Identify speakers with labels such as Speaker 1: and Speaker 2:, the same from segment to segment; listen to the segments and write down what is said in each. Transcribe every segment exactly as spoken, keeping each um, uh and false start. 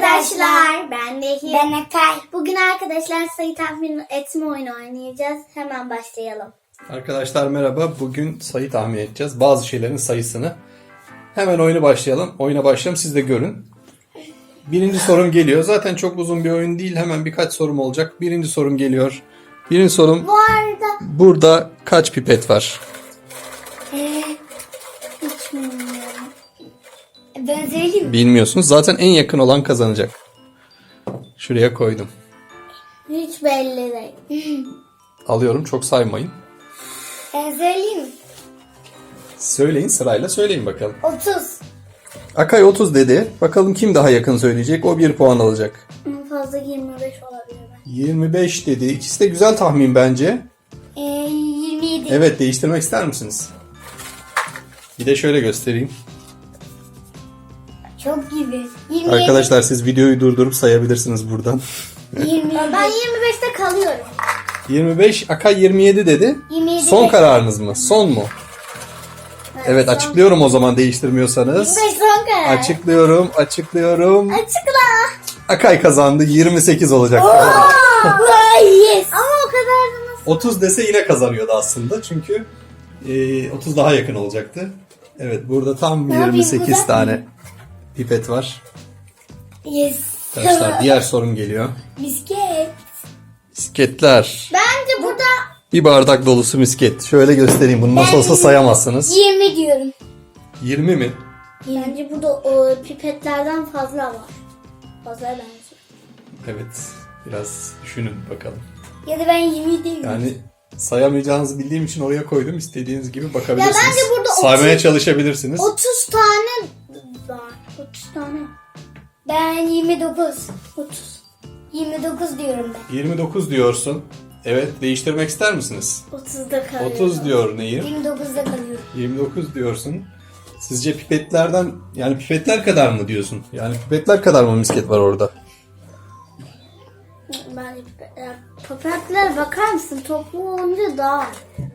Speaker 1: arkadaşlar. Ben Nehir.
Speaker 2: Ben Akay.
Speaker 1: Bugün arkadaşlar sayı tahmin etme oyunu oynayacağız. Hemen başlayalım.
Speaker 3: Arkadaşlar merhaba. Bugün sayı tahmin edeceğiz. Bazı şeylerin sayısını. Hemen oyuna başlayalım. Oyuna başlayalım. Siz de görün. Birinci sorum geliyor. Zaten çok uzun bir oyun değil. Hemen birkaç sorum olacak. Birinci sorum geliyor. Birinci sorum.
Speaker 1: Bu arada
Speaker 3: Burada kaç pipet var?
Speaker 1: ee, hiç bilmiyorum.
Speaker 2: Ben söyleyeyim mi?
Speaker 3: Bilmiyorsunuz. Zaten en yakın olan kazanacak. Şuraya koydum.
Speaker 1: Hiç belli değil.
Speaker 3: Alıyorum. Çok saymayın.
Speaker 2: Ben söyleyeyim mi?
Speaker 3: Söyleyin, sırayla söyleyin bakalım.
Speaker 2: otuz.
Speaker 3: Akay otuz dedi. Bakalım kim daha yakın söyleyecek. O bir puan alacak.
Speaker 1: En fazla yirmi beş olabilir.
Speaker 3: yirmi beş dedi. İkisi de güzel tahmin bence.
Speaker 2: Ee, yirmi yedi.
Speaker 3: Evet, değiştirmek ister misiniz? Bir de şöyle göstereyim.
Speaker 2: Çok gibi. yirmi yedi.
Speaker 3: Arkadaşlar siz videoyu durdurup sayabilirsiniz buradan.
Speaker 2: yirmi yedi.
Speaker 1: Ben yirmi beşte kalıyorum.
Speaker 3: yirmi beş, Akay yirmi yedi dedi.
Speaker 2: yirmi yedi.
Speaker 3: Son kararınız mı? Son mu? Evet, açıklıyorum o zaman değiştirmiyorsanız.
Speaker 1: yirmi beş son karar.
Speaker 3: Açıklıyorum, açıklıyorum.
Speaker 1: Açıkla.
Speaker 3: Akay kazandı. yirmi sekiz olacak.
Speaker 2: Yes.
Speaker 1: Ama o kadar da nasıl?
Speaker 3: otuz dese yine kazanıyordu aslında. Çünkü e, otuz daha yakın olacaktı. Evet, burada tam
Speaker 2: yapayım,
Speaker 3: yirmi sekiz
Speaker 2: uzatmayayım.
Speaker 3: tane pipet var.
Speaker 2: Yes.
Speaker 3: Arkadaşlar diğer sorum geliyor.
Speaker 2: Misket.
Speaker 3: Misketler.
Speaker 1: Bence burada
Speaker 3: Bir bardak dolusu misket. Şöyle göstereyim. Bunu nasıl olsa sayamazsınız.
Speaker 2: yirmi diyorum.
Speaker 3: yirmi mi?
Speaker 1: bence burada o pipetlerden fazla var. Fazla bence.
Speaker 3: Evet. Biraz düşünün bakalım.
Speaker 2: Ya da ben yirmi değilim.
Speaker 3: Yani sayamayacağınızı bildiğim için oraya koydum. İstediğiniz gibi bakabilirsiniz.
Speaker 1: Ya bence burada
Speaker 3: Saymaya
Speaker 1: otuz
Speaker 3: çalışabilirsiniz.
Speaker 1: otuz tane var. otuz tane.
Speaker 2: Ben yirmi dokuz.
Speaker 1: otuz.
Speaker 2: yirmi dokuz diyorum ben.
Speaker 3: yirmi dokuz diyorsun. Evet, değiştirmek ister misiniz?
Speaker 1: otuzda kalıyorum.
Speaker 3: otuz diyor Nehir.
Speaker 2: yirmi dokuzda kalıyorum.
Speaker 3: yirmi dokuz diyorsun. Sizce pipetlerden, yani pipetler kadar mı diyorsun? Yani pipetler kadar mı misket var orada?
Speaker 1: Bence pipetler. Pipetlere bakar mısın? Toplu olunca daha.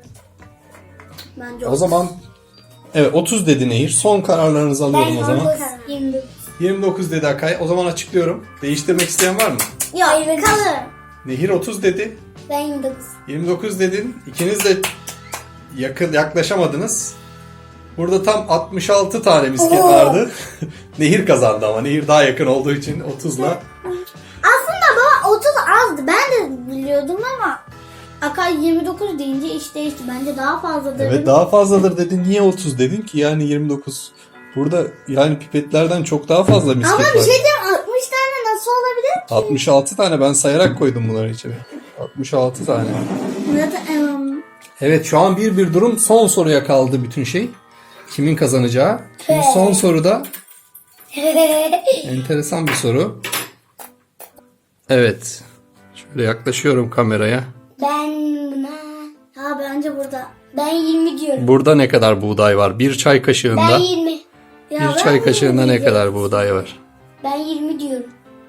Speaker 1: Bence
Speaker 3: O zaman evet, otuz dedi Nehir. Son kararlarınızı alıyorum
Speaker 2: Ben
Speaker 3: o zaman.
Speaker 2: otuz, yirmi dokuz.
Speaker 3: yirmi dokuz dedi Akay. O zaman açıklıyorum. Değiştirmek isteyen var mı?
Speaker 1: Yok kalır.
Speaker 3: Nehir otuz dedi.
Speaker 2: Ben yirmi dokuz.
Speaker 3: yirmi dokuz dedin. İkiniz de yakın yaklaşamadınız. Burada tam altmış altı tane misket vardı. Nehir kazandı ama Nehir daha yakın olduğu için otuzla.
Speaker 1: Aslında baba otuz azdı. Ben de biliyordum ama Akay yirmi dokuz deyince iş değişti. Bence daha fazladır.
Speaker 3: Evet, daha fazladır dedin. Niye otuz dedin ki? Yani yirmi dokuz. Burada yani pipetlerden çok daha fazla misket
Speaker 1: Ama
Speaker 3: var.
Speaker 1: bir şey diyeyim, altmış tane nasıl olabilir ki?
Speaker 3: altmış altı tane ben sayarak koydum bunları içeri. altmış altı tane.
Speaker 1: Zaten em,
Speaker 3: Evet, şu an bir bir durum. Son soruya kaldı bütün şey. Kimin kazanacağı? Şimdi son soruda enteresan bir soru. Evet. Şöyle yaklaşıyorum kameraya.
Speaker 2: Ben buna...
Speaker 1: ya bence burada.
Speaker 2: Ben yirmi diyorum.
Speaker 3: Burada ne kadar buğday var? Bir çay
Speaker 2: Ben
Speaker 3: kaşığında.
Speaker 2: yirmi.
Speaker 1: Ya
Speaker 3: Bir
Speaker 1: ben
Speaker 3: çay kaşığında ne
Speaker 1: diyeceğim.
Speaker 3: kadar buğday var?
Speaker 2: Ben yirmi diyorum.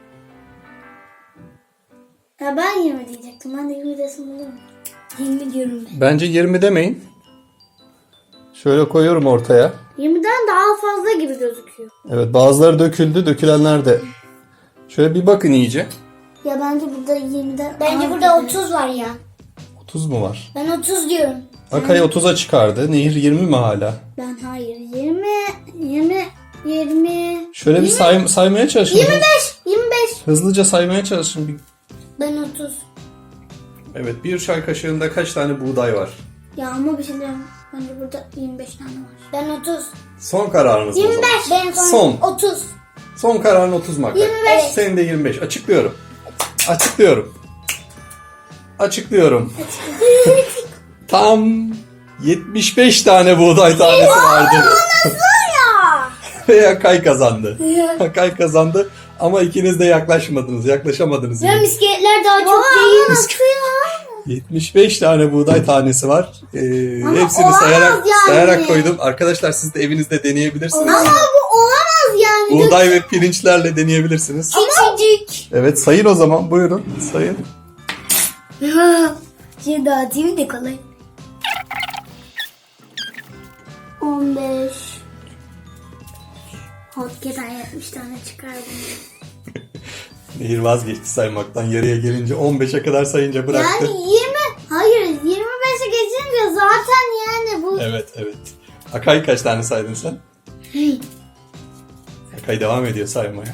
Speaker 1: Ya ben yirmi diyecektim. Ben de yirmi desim olur mu?
Speaker 2: yirmi diyorum ben.
Speaker 3: Bence yirmi demeyin. Şöyle koyuyorum ortaya.
Speaker 1: yirmiden daha fazla gibi gözüküyor.
Speaker 3: Evet, bazıları döküldü. Dökülenler de. Şöyle bir bakın iyice.
Speaker 1: Ya bence burada yirmiden
Speaker 2: Bence
Speaker 1: az
Speaker 2: burada
Speaker 1: gibi.
Speaker 2: otuz var ya.
Speaker 3: otuz mu var?
Speaker 2: Ben otuz diyorum.
Speaker 3: Akay otuza çıkardı. Nehir yirmi mi hala?
Speaker 1: Ben hayır. yirmi, yirmi, yirmi.
Speaker 3: Şöyle bir say- saymaya çalışın.
Speaker 1: yirmi beş, yirmi beş.
Speaker 3: Hızlıca saymaya çalışın. Bir-
Speaker 2: Ben otuz.
Speaker 3: Evet, bir çay kaşığında kaç tane buğday var?
Speaker 1: Ya ama bir şey diyeyim. Bence burada yirmi beş tane var.
Speaker 2: Ben otuz.
Speaker 3: Son kararınız mı o
Speaker 2: yirmi
Speaker 3: zaman?
Speaker 2: beş. Ben son.
Speaker 3: Son.
Speaker 2: otuz.
Speaker 3: Son kararın otuz mu Akay?
Speaker 1: yirmi beş.
Speaker 3: Senin de yirmi beş. Açıklıyorum. Açıklıyorum. Açıklıyorum. Tam yetmiş beş tane buğday tanesi vardı. Ve Akay kazandı. Akay kazandı ama ikiniz de yaklaşmadınız. Yaklaşamadınız.
Speaker 2: Ya
Speaker 3: yani.
Speaker 2: misketler daha çok değil.
Speaker 1: Nasıl ya?
Speaker 3: yetmiş beş tane buğday tanesi var. Ee, hepsini
Speaker 1: olamaz
Speaker 3: sayarak
Speaker 1: yani.
Speaker 3: sayarak koydum. Arkadaşlar siz de evinizde deneyebilirsiniz.
Speaker 1: Ama bu olamaz yani.
Speaker 3: Buğday ve pirinçlerle deneyebilirsiniz.
Speaker 2: Küçücük.
Speaker 3: Evet, sayın o zaman. Buyurun sayın.
Speaker 2: Şimdi dağıtayım da kolay.
Speaker 1: on beş. Hakikaten yetmiş tane çıkardım.
Speaker 3: Nehir vazgeçti saymaktan. Yarıya gelince on beşe kadar sayınca bıraktı.
Speaker 1: Yani yirmi, hayır yirmi beşe geçince zaten yani bu.
Speaker 3: Evet evet. Akay kaç tane saydın sen? Akay devam ediyor saymaya.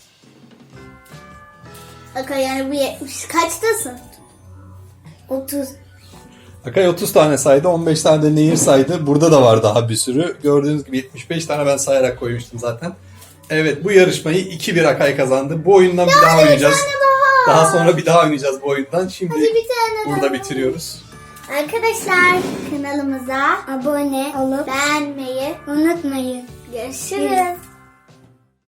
Speaker 1: Akay yani bu yetmiş kaçtasın?
Speaker 2: otuz.
Speaker 3: Akay otuz tane saydı, on beş tane de Nehir saydı. Burada da var daha bir sürü. Gördüğünüz gibi yetmiş beş tane ben sayarak koymuştum zaten. Evet, bu yarışmayı iki bir Akay kazandı. Bu oyundan bir daha oynayacağız.
Speaker 1: daha.
Speaker 3: Daha sonra bir daha oynayacağız bu oyundan. Şimdi
Speaker 1: Hadi bir tane
Speaker 3: burada
Speaker 1: daha.
Speaker 3: bitiriyoruz.
Speaker 1: Arkadaşlar kanalımıza
Speaker 2: Abone olup
Speaker 1: beğenmeyi
Speaker 2: unutmayın.
Speaker 1: görüşürüz.